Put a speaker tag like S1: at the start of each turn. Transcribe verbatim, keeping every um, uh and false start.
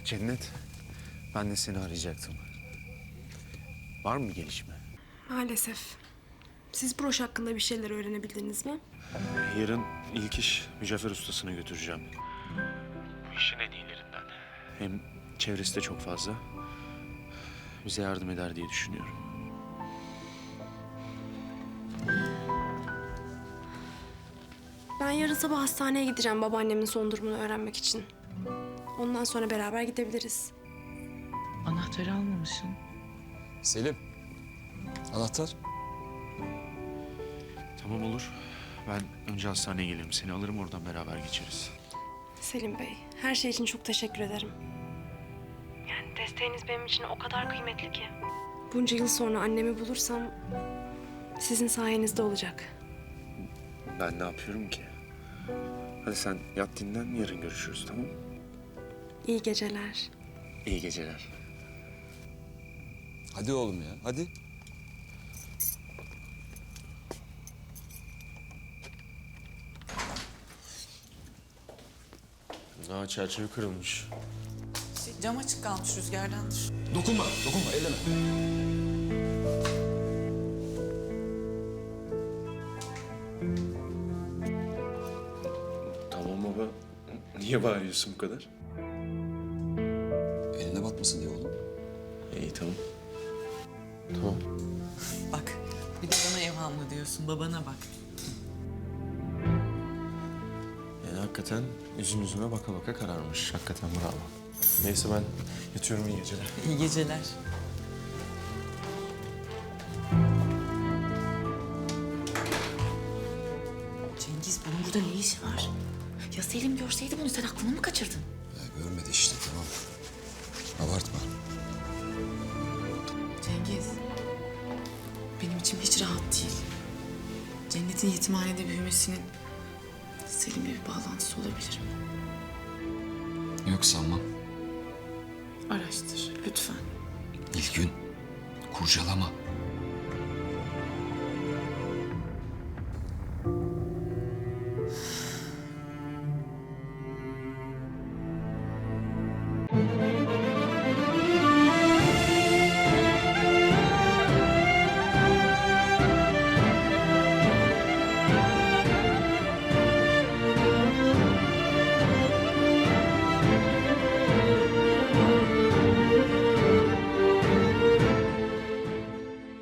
S1: Cennet, ben de seni arayacaktım. Var mı bir gelişme?
S2: Maalesef. Siz broş hakkında bir şeyler öğrenebildiniz mi?
S1: Yarın ilk iş mücevher ustasına götüreceğim. Bu işin en iyilerinden. Hem çevresi de çok fazla. Bize yardım eder diye düşünüyorum.
S2: Ben yarın sabah hastaneye gideceğim babaannemin son durumunu öğrenmek için. Ondan sonra beraber gidebiliriz.
S3: Anahtarı almamışsın.
S4: Selim. Anahtar.
S1: Tamam olur. Ben önce hastaneye gelirim. Seni alırım, oradan beraber geçeriz.
S2: Selim Bey, her şey için çok teşekkür ederim. Yani desteğiniz benim için o kadar kıymetli ki. Bunca yıl sonra annemi bulursam sizin sayenizde olacak.
S1: Ben ne yapıyorum ki? Hadi sen yat dinlen, yarın görüşürüz, tamam mı?
S2: İyi geceler.
S1: İyi geceler.
S4: Hadi oğlum ya, hadi.
S1: Aa, çerçeve kırılmış.
S3: Şey, cam açık kalmış rüzgardandır.
S4: Dokunma, dokunma, elleme.
S1: Tamam baba. Niye bağırıyorsun bu kadar?
S4: Eline batmasın diye oğlum.
S1: İyi, tamam. Tamam.
S3: Bak bir de bana evhamlı diyorsun. Babana bak.
S1: Yani hakikaten yüzün yüzüme baka baka kararmış. Hakikaten bravo. Neyse ben yatıyorum, iyi geceler.
S3: İyi geceler. Cengiz bunun burada ne işi var? Ya Selim görseydi bunu sen aklını mı kaçırdın?
S4: Ya görmedi işte, tamam. Abartma.
S3: Cengiz, benim içim hiç rahat değil. Cennet'in yetimhanede büyümesinin Selim'le bir bağlantısı olabilir mi?
S4: Yok sanmam.
S3: Araştır lütfen.
S4: Nilgün, kurcalama.